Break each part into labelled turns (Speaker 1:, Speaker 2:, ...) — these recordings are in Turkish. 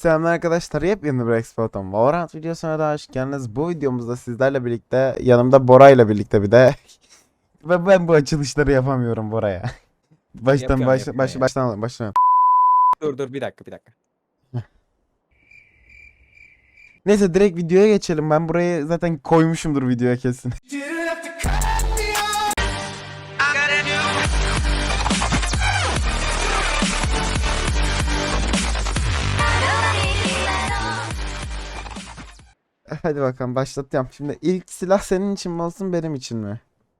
Speaker 1: Selamlar arkadaşlar, yepyeni bir Export'tan Valorant videosuna daha hoş geldiniz. Bu videomuzda sizlerle birlikte, yanımda Bora ile birlikte bir de ve ben bu açılışları yapamıyorum Bora'ya. Baştan alalım, başlayalım.
Speaker 2: Dur bir dakika.
Speaker 1: Neyse direkt videoya geçelim. Ben burayı zaten koymuşumdur videoya kesin. Hadi bakalım başlatıyorum. Şimdi ilk silah senin için mi olsun benim için mi?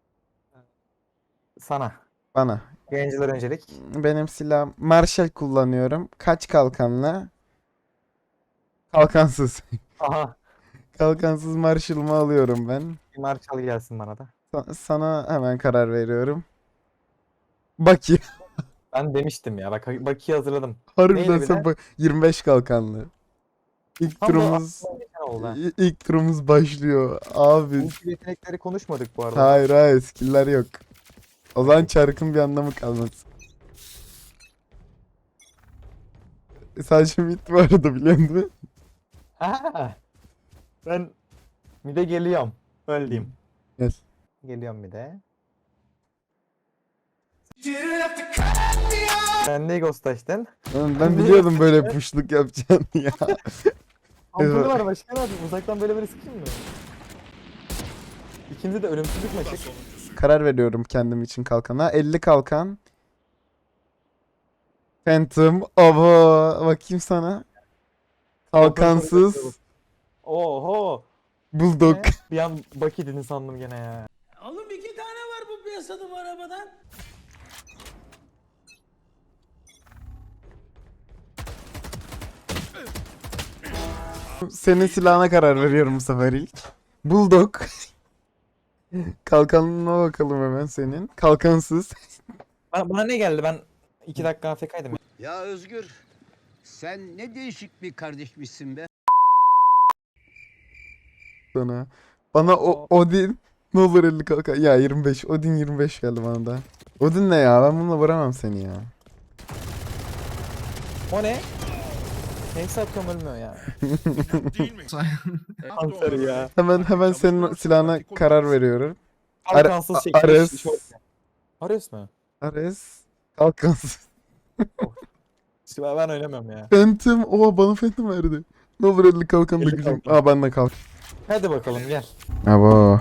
Speaker 2: Sana.
Speaker 1: Bana.
Speaker 2: Yayıncılar öncelik.
Speaker 1: Benim silahım Marshall kullanıyorum. Kaç kalkanlı? Kalkansız.
Speaker 2: Aha.
Speaker 1: Kalkansız Marshall'ımı alıyorum ben.
Speaker 2: Bir Marshall gelsin bana da.
Speaker 1: Sana hemen karar veriyorum. Baki.
Speaker 2: Ben demiştim ya. Bak Baki'yi hazırladım.
Speaker 1: Harbiden
Speaker 2: Neyle
Speaker 1: sen
Speaker 2: bile?
Speaker 1: bak 25 kalkanlı. İlk
Speaker 2: Tam da
Speaker 1: turumuz
Speaker 2: aklıma geçen oldu ha.
Speaker 1: ilk turumuz başlıyor. Abi.
Speaker 2: Bu yetenekleri konuşmadık bu arada.
Speaker 1: Hayır skill'ler yok. O zaman çarkın bir anlamı kalmaz. Sadece mid bu arada biliyor musun?
Speaker 2: Ha. Ben mid'e geliyorum. Öyle diyeyim.
Speaker 1: Gel.
Speaker 2: Geliyorum mid'e. Sen neyi ghostlaştın?
Speaker 1: Ben biliyordum böyle puşluk yapacağını ya.
Speaker 2: Ampulü var başka ne yapayım? Uzaktan böyle sıkayım mı? İkimize de ölümsüzlük maçı.
Speaker 1: Karar veriyorum kendim için kalkana. 50 kalkan. Phantom. Ava. Bakayım sana. Kalkansız.
Speaker 2: Oho.
Speaker 1: Bulldog.
Speaker 2: Ne? Bir an Baki dedin sandım gene ya.
Speaker 3: Oğlum 2 tane var bu piyasada bu arabadan.
Speaker 1: Senin silahına karar veriyorum bu sefer ilk. Bulldog. Kalkanına bakalım hemen senin. Kalkansız.
Speaker 2: Bana ne geldi? Ben 2 dakika AFK'ydım.
Speaker 4: Ya Özgür, sen ne değişik bir kardeşmişsin be.
Speaker 1: Sana. Bana Odin. Ne olur 50 kalkan. Ya 25. Odin 25 geldi bana da. Odin ne ya? Ben bununla vuramam seni ya.
Speaker 2: O ne? Neyse atıyorum ölmüyor ya. Kanser ya.
Speaker 1: Hemen senin silahına karar veriyorum.
Speaker 2: Arkansız şekilde.
Speaker 1: Ares.
Speaker 2: Ares mi?
Speaker 1: Ares. Kalkansız.
Speaker 2: Ben oynamıyorum ya.
Speaker 1: Phantom. Oha bana Phantom verdi. Ne olur 50 kalkan da
Speaker 2: 50
Speaker 1: güzel.
Speaker 2: kalkan.
Speaker 1: Ben de kalk.
Speaker 2: Hadi bakalım gel.
Speaker 1: Abo.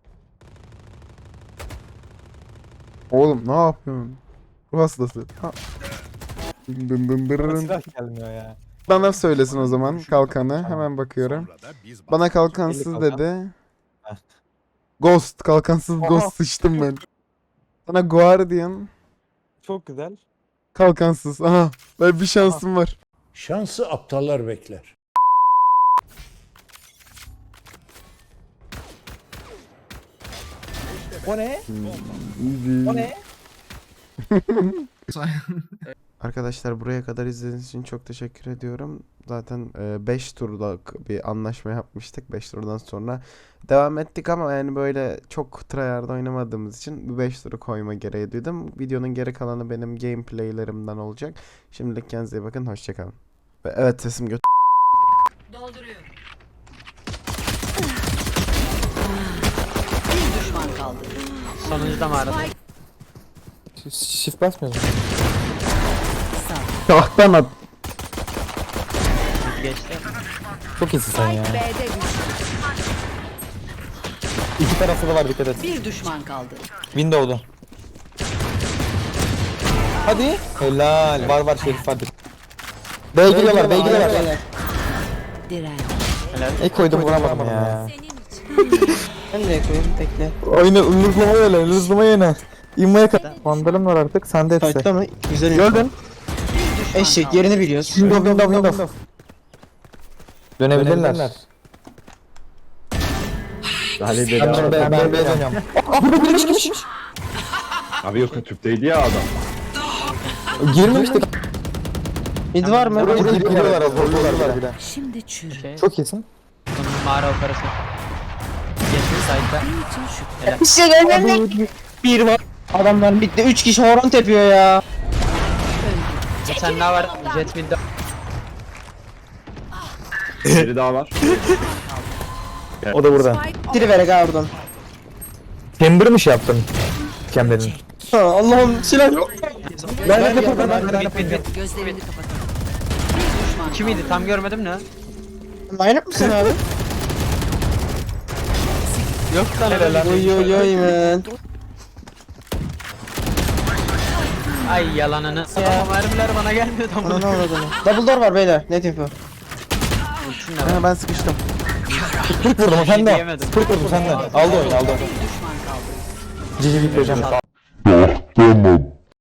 Speaker 1: Oğlum ne yapıyorsun? Ruh hastası. Ha. Dın dın dın
Speaker 2: Bana
Speaker 1: dırırın.
Speaker 2: silah gelmiyor ya.
Speaker 1: Bana söylesin o zaman kalkanı. Hemen bakıyorum. Bana kalkansız
Speaker 2: 50 kalkan.
Speaker 1: dedi.
Speaker 2: Heh.
Speaker 1: Ghost. Kalkansız
Speaker 2: Oha.
Speaker 1: Ghost sıçtım ben. Sana Guardian.
Speaker 2: Çok güzel.
Speaker 1: Kalkansız. Aha. Ben bir şansım var.
Speaker 5: Şansı aptallar bekler.
Speaker 2: O ne?
Speaker 1: İyi.
Speaker 2: O ne?
Speaker 1: Arkadaşlar buraya kadar izlediğiniz için çok teşekkür ediyorum. Zaten 5 turda bir anlaşma yapmıştık. 5 turdan sonra devam ettik ama yani böyle çok tryhard oynamadığımız için bu 5 turu koyma gereği duydum. Videonun geri kalanı benim gameplaylerimden olacak. Şimdilik kendinize iyi bakın. Hoşçakalın. Ve evet sesim göt.
Speaker 6: Dolduruyorum. Bir düşman kaldı.
Speaker 3: Sonuncuda mı aradın?
Speaker 2: Shift basmıyoruz mu?
Speaker 1: Tahtan at.
Speaker 3: Geçti.
Speaker 2: Çok iyisin sen ya.
Speaker 6: B'de düştü.
Speaker 2: İki tarafta da var dikkat et.
Speaker 6: Bir düşman kaldı.
Speaker 2: Window'da. Hadi. Helal. Var Şerif hadi. B'ye giriyorlar.
Speaker 6: Diren.
Speaker 2: Ek koydum vuramadım ya.
Speaker 3: Ben de koyayım bekle.
Speaker 2: Oyna ıllızlama yine. İmmaya kadar. Vandalım var artık. Sende hepsi.
Speaker 3: Fight'ta mı? Güzel
Speaker 2: Gördün.
Speaker 6: Bir düşman
Speaker 3: Eşek
Speaker 6: kaldı.
Speaker 3: yerini biliyoruz.
Speaker 2: Window. Dönebilirler.
Speaker 4: Hadi dedi
Speaker 2: Ben dönüyorum.
Speaker 4: Abi yok tüpteydi ya adam.
Speaker 2: Girmemiştik.
Speaker 3: Mid var mı?
Speaker 2: Giriyorlar bir de.
Speaker 6: Şimdi çürü.
Speaker 2: Çok iyisin.
Speaker 3: Bunun mağara operasyon. Geçti site'da.
Speaker 6: Niçin şüphe?
Speaker 3: Bir şey gelmedi. Bir var. Adamlar bitti. 3 kişi horon tepiyor ya. Sen ne var? Jet mid'de.
Speaker 7: Biri daha var.
Speaker 2: O da burada.
Speaker 3: Biri verek ha oradan.
Speaker 2: Chamber mı şey yaptın? Chamber'in.
Speaker 3: Ha, Allah'ım silah yok.
Speaker 2: Ben
Speaker 6: Gözlerini kapatalım.
Speaker 8: Kimiydi tam görmedim ne?
Speaker 3: Line up mısın abi?
Speaker 8: Yok lan.
Speaker 3: Oy oy oy man.
Speaker 8: Ay yalanını. Ama mermiler bana gelmiyor tam
Speaker 3: Ana ne oldu lan? Double door var beyler. Net info.
Speaker 1: Ha, ben sıkıştım.
Speaker 2: 40 vurdum o sende.
Speaker 8: diyemedim.
Speaker 2: 40 vurdum sende. Aldı oyunu aldı.
Speaker 6: Düşman kaldı.
Speaker 2: Cici bir hocam.